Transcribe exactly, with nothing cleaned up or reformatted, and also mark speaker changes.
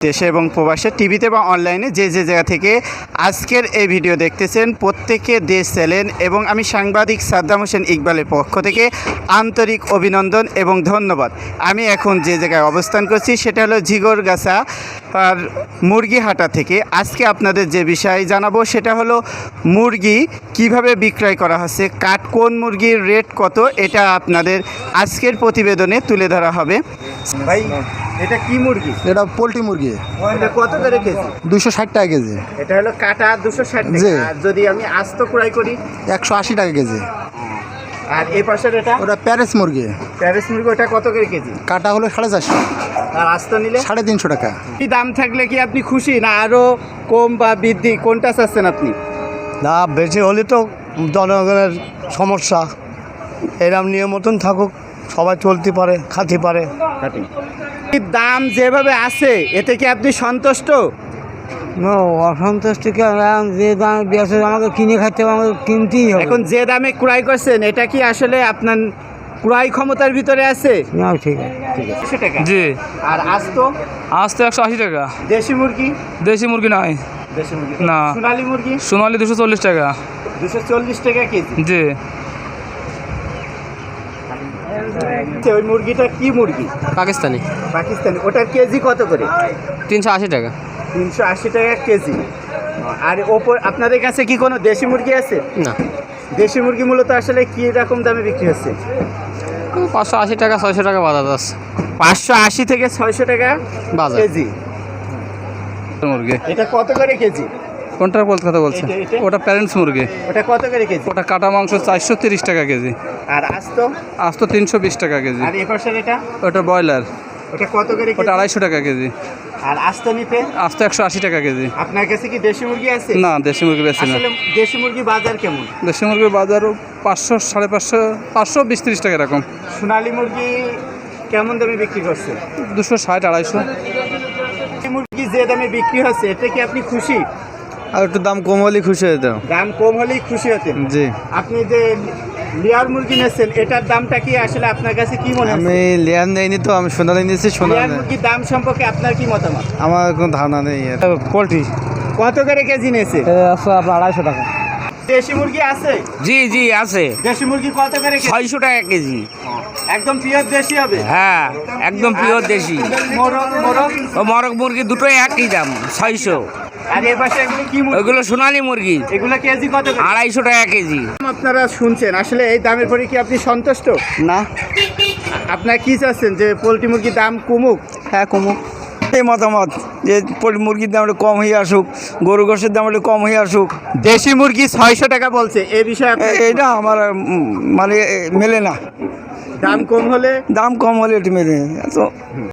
Speaker 1: দেশে এবং প্রবাসে টিভিতে বা অনলাইনে যে যে জায়গা থেকে আজকের এই ভিডিও দেখতেছেন প্রত্যেকে দেশ চ্যানেল এবং আমি সাংবাদিক সাদ্দাম হোসেন ইকবালের পক্ষ থেকে আন্তরিক অভিনন্দন এবং ধন্যবাদ। আমি এখন যে জায়গায় অবস্থান করছি সেটা হলো ঝিগরগাছা আর মুরগিহাটা থেকে। আজকে আপনাদের যে বিষয় জানাবো সেটা হলো মুরগি কিভাবে বিক্রয় করা হচ্ছে, কাঠ কোন মুরগির রেট কত, এটা আপনাদের আজকের প্রতিবেদনে তুলে ধরা হবে। ভাই এটা কি মুরগি?
Speaker 2: এটা পোলট্রি মুরগি,
Speaker 1: এটা কত করে কেজি?
Speaker 2: দুশো ষাট টাকা কেজি।
Speaker 1: এটা হলো কাটা দুশো ষাট টাকা। আর যদি আমি আস্ত ক্রয় করি
Speaker 2: একশো আশি টাকা কেজি।
Speaker 1: আর এই পাশের এটা
Speaker 2: ওটা প্যারেস মুরগি,
Speaker 1: প্যারিস মুরগি, ওটা কত করে কেজি?
Speaker 2: কাটা হলো সাড়ে চারশো,
Speaker 1: আর আস্ত নিলে
Speaker 2: সাড়ে তিনশো টাকা।
Speaker 1: কি দাম থাকলে কি আপনি খুশি, না আরও কম বা বৃদ্ধি কোনটা চাচ্ছেন আপনি?
Speaker 3: না, বেশি হলে তো জনগণের সমস্যা। এরম নিয়ম মতন থাকুক, সবাই চলতে পারে, খাতে পারে।
Speaker 1: দাম যেভাবে আছে এতে কি আপনি সন্তুষ্ট?
Speaker 4: অসন্তুষ্ট কি, যে দাম বেশি আমাকে কিনে খাইতে হবে, আমাকে কিনতেই হবে।
Speaker 1: এখন যে দামে ক্রয় করছেন এটা কি আসলে আপনার ক্রয় ক্ষমতার ভিতরে আছে?
Speaker 4: না, ঠিক আছে।
Speaker 1: একশো টাকা।
Speaker 5: জি,
Speaker 1: আর আস্ত
Speaker 5: আজ তো একশো আশি টাকা।
Speaker 1: দেশি মুরগি?
Speaker 5: দেশি মুরগি নাই,
Speaker 1: দেশি মুরগি
Speaker 5: না।
Speaker 1: সোনালী মুরগি?
Speaker 5: সোনালি দুশো চল্লিশ টাকা।
Speaker 1: দুশো চল্লিশ টাকা কেজি।
Speaker 5: জি,
Speaker 1: ওই মুরগিটা কি মুরগি?
Speaker 5: পাকিস্তানি,
Speaker 1: পাকিস্তানি। ওটার কেজি কত করে?
Speaker 5: তিনশো আশি টাকা।
Speaker 1: তিনশো আশি টাকা কেজি। আর ওপর আপনাদের কাছে কি কোনো দেশি মুরগি আছে?
Speaker 5: না,
Speaker 1: দেশি মুরগি মূলত আসলে কি রকম দামে বিক্রি হচ্ছে?
Speaker 5: পাঁচশো আশি টাকা, ছয়শো টাকা বাজার আছে।
Speaker 1: পাঁচশো আশি থেকে ছয়শো টাকা
Speaker 5: বাজার
Speaker 1: কেজি।
Speaker 5: মুরগি
Speaker 1: এটা কত করে কেজি?
Speaker 5: কোনটা বলতে কথা বলছে?
Speaker 1: এটা- এটা?
Speaker 5: ওটা প্যারেন্টস মুরগি।
Speaker 1: ওটা কত করে কেজি?
Speaker 5: ওটা কাটা মাংস চারশো তিরিশ টাকা কেজি।
Speaker 1: আর আস্ত?
Speaker 5: আজ তো তিনশো বিশ টাকা কেজি।
Speaker 1: আর এপাশের এটা?
Speaker 5: ওটা ব্রয়লার,
Speaker 1: ওটা কত করে কেজি?
Speaker 5: ওটা আড়াইশো টাকা কেজি।
Speaker 1: আর আস্ত নিতে
Speaker 5: আজ তো একশো আশি টাকা কেজি।
Speaker 1: আপনার কাছে কি দেশি মুরগি আছে?
Speaker 5: না, দেশি মুরগি বেশি না।
Speaker 1: আসলে দেশি মুরগি বাজার কেমন?
Speaker 5: দেশি মুরগির বাজারও পাঁচশো, সাড়ে পাঁচশো, পাঁচশো বিশ তিরিশ টাকা এরকম।
Speaker 1: সোনালী মুরগি কেমন দামে বিক্রি করছে?
Speaker 5: দুশো ষাট, আড়াইশো।
Speaker 1: দেশি মুরগি যে দামে বিক্রি হচ্ছে এতে কি আপনি খুশি?
Speaker 3: আর একটু দাম কম হলে খুশি হতাম।
Speaker 1: দাম কম হলেই খুশি হতেন?
Speaker 3: জি,
Speaker 1: আপনি যে লেয়ার মুরগি নিয়েছেন এটার দামটা কি আসলে আপনার কাছে কি মনে
Speaker 3: আমি
Speaker 1: হচ্ছে?
Speaker 3: লেয়ার নেইনি তো, আমি সোনালি নিয়েছি।
Speaker 1: লেয়ার
Speaker 3: সোনালি
Speaker 1: মুরগির দাম সম্পর্কে আপনার কি মতামত?
Speaker 3: আমার কোনো ধারণা নেই।
Speaker 5: পোলট্রি
Speaker 1: কত করে কেজি নিয়েছে?
Speaker 4: আপনার আড়াইশো টাকা।
Speaker 1: দেশি মুরগি আছে?
Speaker 6: জি জি আছে,
Speaker 1: দেশি মুরগি কত করে কেজি?
Speaker 6: ছয়শো টাকা কেজি।
Speaker 1: একদম পিওর দেশি হবে?
Speaker 6: হ্যাঁ, একদম পিওর দেশি।
Speaker 1: মোরগ মোরগ
Speaker 6: ও মরক মুরগি দুটোই একই দাম, ছয়শো।
Speaker 1: আর এ পাশে এগুলো কি মুরগি?
Speaker 6: ওইগুলো সোনালী মুরগি,
Speaker 1: এগুলো কেজি কত করে?
Speaker 6: আড়াইশো টাকা কেজি।
Speaker 1: আপনারা শুনছেন, আসলে এই দামের পরে কি আপনি সন্তুষ্ট?
Speaker 2: না,
Speaker 1: আপনারা কি চাচ্ছেন যে পোলট্রি মুরগির দাম কমুক?
Speaker 2: হ্যাঁ কমুক।
Speaker 3: এই মতামত যে পোলট্রি মুরগির দাম একটু কম হয়ে আসুক, গরু গোশের দাম একটু কম হয়ে আসুক।
Speaker 1: দেশি মুরগি ছয়শো টাকা বলছে, এ বিষয়ে আপনার
Speaker 3: এ- এইটা আমার উম, মানে এ, মেলে না।
Speaker 1: দাম কম হলে
Speaker 3: দাম কম হলে একটু মেলে। এত